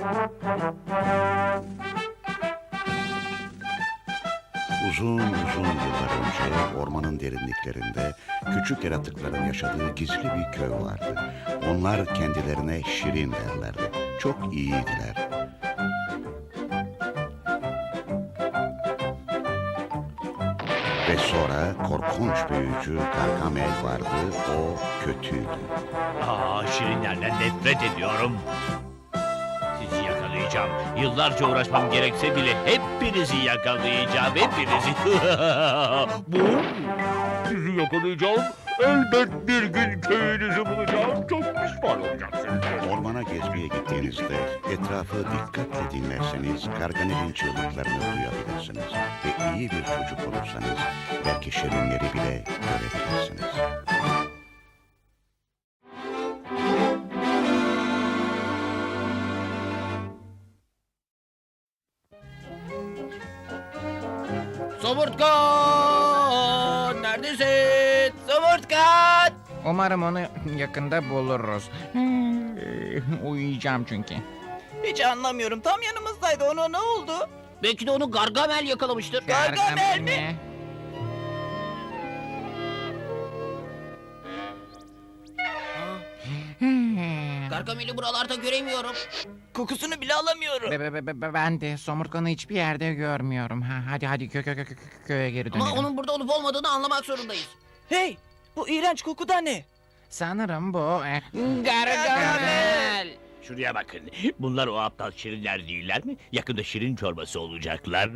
Uzun uzun yıllar önce ormanın derinliklerinde küçük yaratıkların yaşadığı gizli bir köy vardı. Onlar kendilerine Şirin derlerdi. Çok iyiydiler. Ve sonra korkunç büyücü Gargamel vardı. O kötüydü. Şirinlerden nefret ediyorum. Sizi yakalayacağım. Yıllarca uğraşmam gerekse bile hepinizi yakalayacağım. Hepinizi. Bu? Sizi yakalayacağım. Elbet bir gün köyünüzü bulacağım. Çok pişman olacaksınız. Ormana gezmeye gittiğinizde etrafı dikkatle dinlerseniz Gargamel'in çığlıklarını duyabilirsiniz. Ve iyi bir çocuk olursanız belki şirinleri bile görebilirsiniz. Somurtkan! Neredesin? Somurtkan! Umarım onu yakında buluruz. Uyuyacağım çünkü. Hiç anlamıyorum. Tam yanımızdaydı. Ona ne oldu? Belki de onu Gargamel yakalamıştır. Gargamel mi? Gargamel'i buralarda göremiyorum. Kokusunu bile alamıyorum. Ben de somurtkanı hiçbir yerde görmüyorum. Hadi köye geri dönelim. Ama onun burada olup olmadığını anlamak zorundayız. Hey! Bu iğrenç koku da ne? Sanırım bu... Gargamel! Şuraya bakın. Bunlar o aptal şirinler değiller mi? Yakında şirin çorbası olacaklar.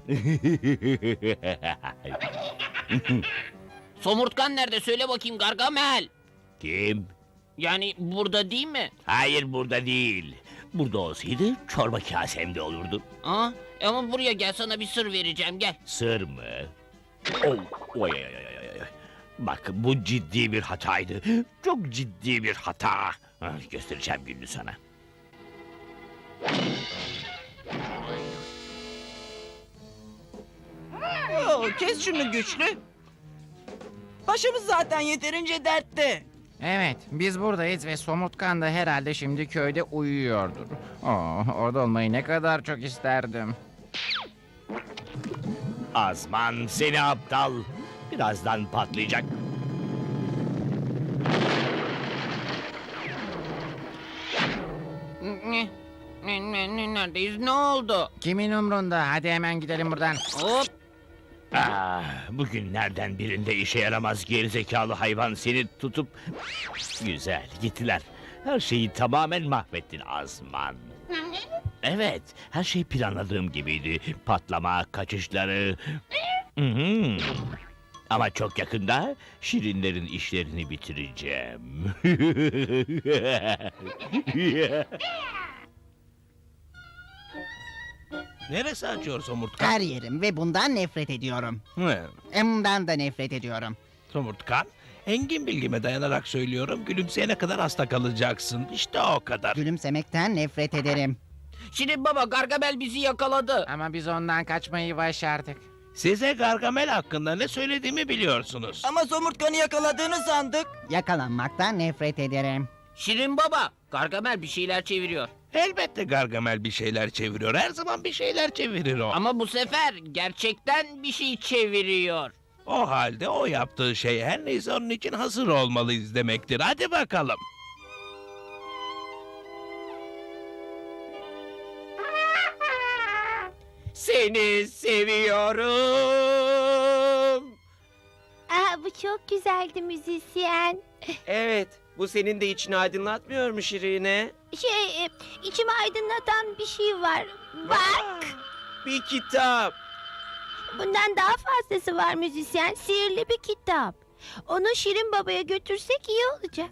Somurtkan nerede? Söyle bakayım Gargamel. Kim? Yani burada değil mi? Hayır, burada değil. Burada olsaydı çorba kasemde olurdu. Ama buraya gel, sana bir sır vereceğim, gel. Sır mı? Oh, oy, oy, oy, oy, oy. Bak, bu ciddi bir hataydı. Çok ciddi bir hata. Göstereceğim gününü sana. Kes şunu güçlü. Başımız zaten yeterince dertte. Evet, biz buradayız ve somurtkan da herhalde şimdi köyde uyuyordur. Orada olmayı ne kadar çok isterdim. Azman, seni aptal. Birazdan patlayacak. Neredeyiz, ne oldu? Kimin umrunda? Hadi hemen gidelim buradan. Hop! Bugünlerden birinde işe yaramaz gerizekalı hayvan seni tutup... Güzel, gittiler. Her şeyi tamamen mahvettin Azman. Evet, her şey planladığım gibiydi. Patlama, kaçışları... Hı hı. Ama çok yakında şirinlerin işlerini bitireceğim. Neresi acıyor Somurtkan? Her yerim ve bundan nefret ediyorum. Bundan da nefret ediyorum. Somurtkan, engin bilgime dayanarak söylüyorum, gülümseyene kadar hasta kalacaksın. İşte o kadar. Gülümsemekten nefret ederim. Şirin baba, Gargamel bizi yakaladı. Ama biz ondan kaçmayı başardık. Size Gargamel hakkında ne söylediğimi biliyorsunuz. Ama somurtkanı yakaladığını sandık. Yakalanmaktan nefret ederim. Şirin baba, Gargamel bir şeyler çeviriyor. Elbette Gargamel bir şeyler çeviriyor. Her zaman bir şeyler çevirir o. Ama bu sefer gerçekten bir şey çeviriyor. O halde o yaptığı şey her neyse onun için hazır olmalıyız demektir. Hadi bakalım. Seni seviyorum. Bu çok güzeldi müzisyen. Evet, bu senin de içini aydınlatmıyor mu Şirine? İçimi aydınlatan bir şey var. Bak, Bir kitap. bundan daha fazlası var müzisyen. Sihirli bir kitap. Onu Şirin Baba'ya götürsek iyi olacak.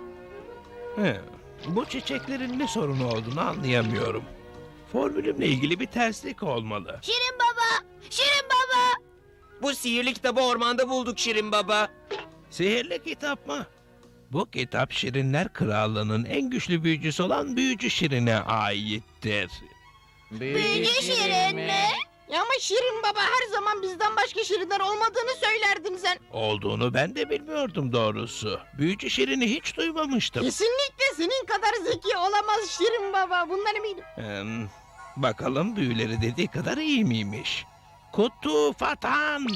Bu çiçeklerin ne sorunu olduğunu anlayamıyorum. Formülümle ilgili bir terslik olmalı. Şirin Baba! Şirin Baba! Bu sihirli kitabı ormanda bulduk Şirin Baba. Sihirli kitap mı? Bu kitap Şirinler Krallığı'nın en güçlü büyücüsü olan Büyücü Şirin'e aittir. Büyücü Şirin mi? Ya ama Şirin Baba her zaman bizden başka şirinler olmadığını söylerdin sen. Olduğunu ben de bilmiyordum doğrusu. Büyücü Şirin'i hiç duymamıştım. Kesinlikle senin kadar zeki olamaz Şirin Baba. Bundan eminim. Bakalım büyüleri dediği kadar iyi miymiş? Kutu Fatan.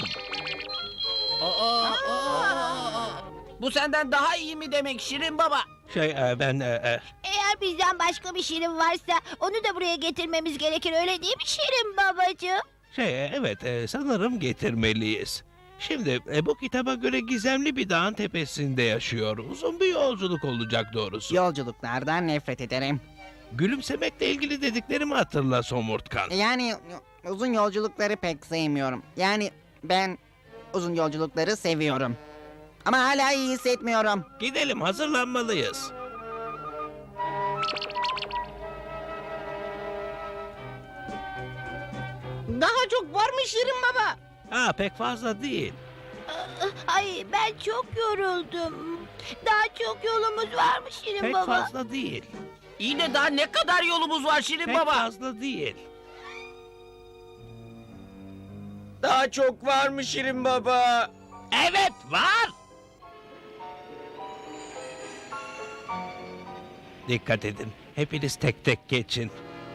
Bu senden daha iyi mi demek Şirin Baba? Ben Eğer bizden başka bir şirin varsa onu da buraya getirmemiz gerekir öyle değil mi Şirin babacığım? evet, sanırım getirmeliyiz. Şimdi bu kitaba göre gizemli bir dağın tepesinde yaşıyor. Uzun bir yolculuk olacak doğrusu. Yolculuklardan nefret ederim. Gülümsemekle ilgili dediklerimi hatırla Somurtkan. Yani uzun yolculukları pek sevmiyorum. Yani ben uzun yolculukları seviyorum. Ama hala iyi hissetmiyorum. Gidelim, hazırlanmalıyız. Daha çok var mı Şirin Baba? Pek fazla değil. Ay ben çok yoruldum. Daha çok yolumuz var mı Şirin Pek baba? fazla değil. İyi de daha ne kadar yolumuz var Şirin Pek Baba? fazla değil. Daha çok var mı Şirin Baba? Evet var. Dikkat edin. Hepiniz tek tek geçin.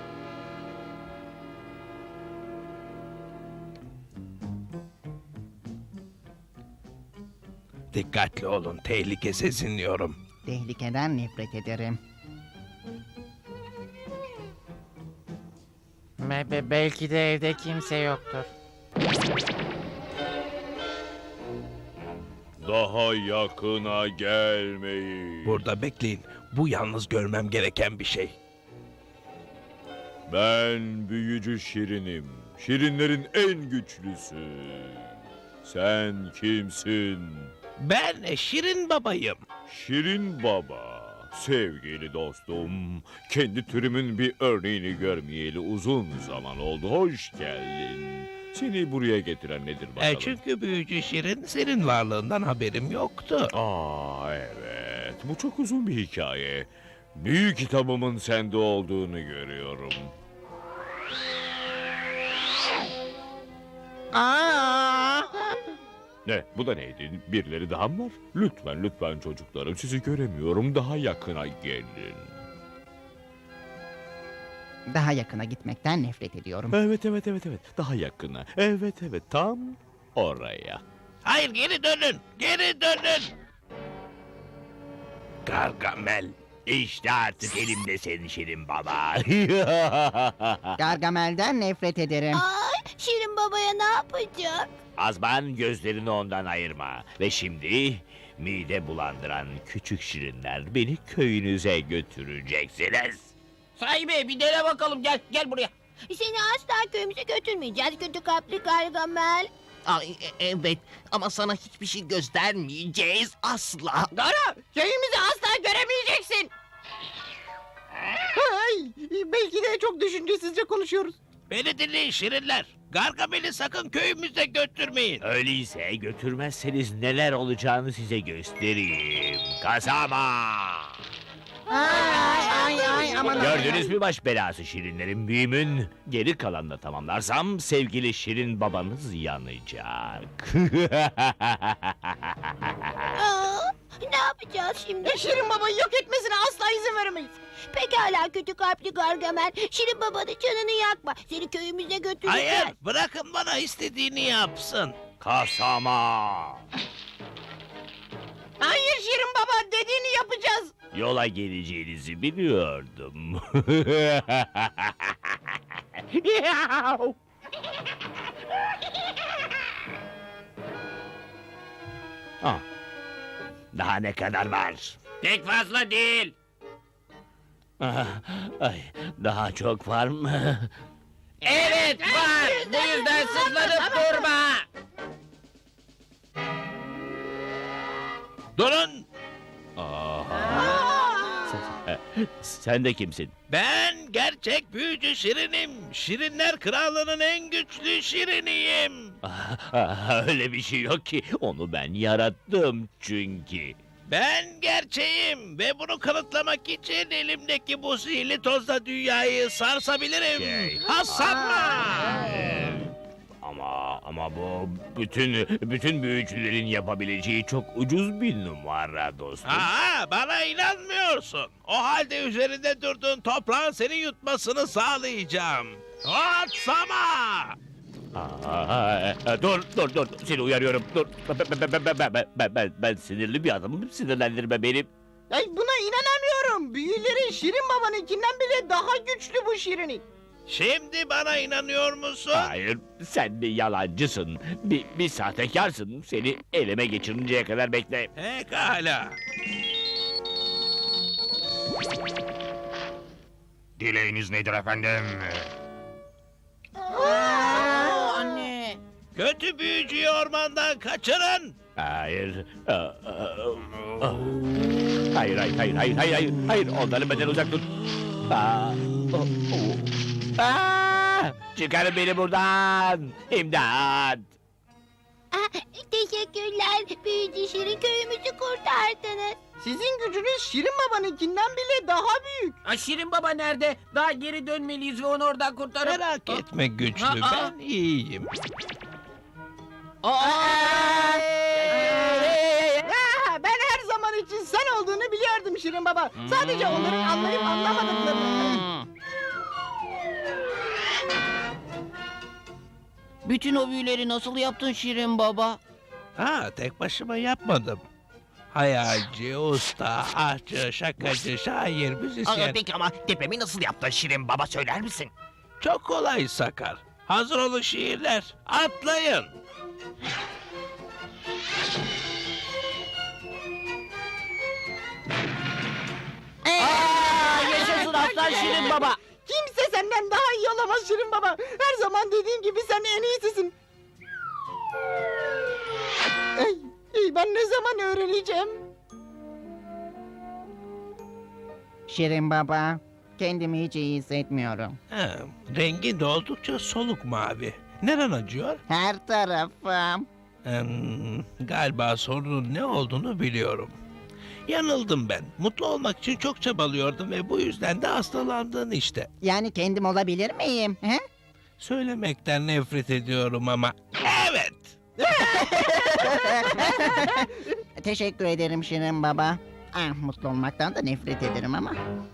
Dikkatli olun. Tehlike sezinliyorum. Tehlikeden nefret ederim. Belki de evde kimse yoktur. Daha yakına gelmeyin. Burada bekleyin. Bu yalnız görmem gereken bir şey. Ben büyücü Şirin'im. Şirinlerin en güçlüsü. Sen kimsin? Ben Şirin babayım. Şirin Baba. Sevgili dostum, kendi türümün bir örneğini görmeyeli uzun zaman oldu. Hoş geldin. Seni buraya getiren nedir bakalım? Çünkü büyücü Şirin senin varlığından haberim yoktu. Evet. Bu çok uzun bir hikaye. Büyük kitabımın sende olduğunu görüyorum. Ne? Bu da neydi? Birileri daha mı var? Lütfen çocuklarım. Sizi göremiyorum. Daha yakına gelin. Daha yakına gitmekten nefret ediyorum. Evet. Daha yakına. Evet. Tam oraya. Hayır, geri dönün. Geri dönün. Gargamel. İşte artık elimde senin Şirin baba. Gargamel'den nefret ederim. Ay Şirin babaya ne yapacak? Azman, gözlerini ondan ayırma. Ve şimdi mide bulandıran küçük şirinler beni köyünüze götüreceksiniz. Sahibi bir dene bakalım, gel buraya. Seni asla köyümüze götürmeyeceğiz kötü kalpli Gargamel. Evet ama sana hiçbir şey göstermeyeceğiz asla. Dara, köyümüzü asla göremeyeceksin. Ay, belki de çok düşüncesizce konuşuyoruz. Beni dinleyin Şirinler. Gargamel'i sakın köyümüze götürmeyin. Öyleyse götürmezseniz neler olacağını size göstereyim. Kasama! Ay, aman. Gördünüz mü baş belası şirinlerin büyümün? Geri kalanla tamamlarsam sevgili Şirin babanız yanacak. Ne yapacağız şimdi? Şirin Baba'yı yok etmesine asla izin veremeyiz. Pekala kötü kalpli Gargamel. Şirin babanın canını yakma. Seni köyümüze götüreceğiz. Hayır, bırakın bana istediğini yapsın. Kasama! Hayır Şirin Baba, dediğini yapacağız. Yola geleceğinizi biliyordum. Daha ne kadar var? Pek fazla değil. Ay, daha çok var mı? Evet var. Bu yüzden sızlanıp durma. Durun. Sen de kimsin? Ben gerçek büyücü Şirin'im. Şirinler Krallığı'nın en güçlü Şirin'iyim. Öyle bir şey yok ki. Onu ben yarattım çünkü. Ben gerçeğim ve bunu kanıtlamak için elimdeki bu sihirli tozla dünyayı sarsabilirim. Şey. Hasanla. Ama bu bütün büyücülerin yapabileceği çok ucuz bir numara dostum. Aa, bana inanmıyorsun. O halde üzerinde durduğun toprağın seni yutmasını sağlayacağım. Atsama! Dur. Seni uyarıyorum. Dur. Ben sinirli bir adamım. Sinirlendirme beni. Ay buna inanamıyorum. Büyülerin Şirin Baba'nınkinden bile daha güçlü bu Şirin'i. Şimdi bana inanıyor musun? Hayır, sen bir yalancısın. Bir sahtekarsın. Seni elime geçirinceye kadar bekle. Pekala. Dileğiniz nedir efendim? Anne. Kötü büyücüyü ormandan kaçırın. Hayır. Hayır. Onları benden uzak tut. Çıkarın beni buradan. İmdat. Teşekkürler. Büyücü Şirin, köyümüzü kurtardınız. Sizin gücünüz Şirin Baba'nınkinden bile daha büyük. Şirin Baba nerede? Daha geri dönmeliyiz ve onu oradan kurtarıp... Merak etme güçlü, ben iyiyim. Ben her zaman için sen olduğunu biliyordum Şirin Baba. Sadece onların anlayıp anlamadıklarını. Bütün o büyüleri nasıl yaptın Şirin Baba? Tek başıma yapmadım. Hayalci, usta, aşçı, şakacı, şair, müzisyen. Peki ama tepemi nasıl yaptın Şirin Baba, söyler misin? Çok kolay Sakar. Hazır olun şiirler. Atlayın. Yaşasın aslan Şirin Baba. Kimse senden daha iyi olamaz Şirin Baba. Her zaman dediğim gibi sen en iyisisin. Ben ne zaman öğreneceğim? Şirin Baba, kendimi hiç iyi hissetmiyorum. Rengi de oldukça soluk mavi. Neren acıyor? Her tarafım. Galiba sorunun ne olduğunu biliyorum. Yanıldım ben. Mutlu olmak için çok çabalıyordum ve bu yüzden de hastalandın işte. Yani kendim olabilir miyim? He? Söylemekten nefret ediyorum ama evet. Teşekkür ederim Şirin Baba. Mutlu olmaktan da nefret ederim ama.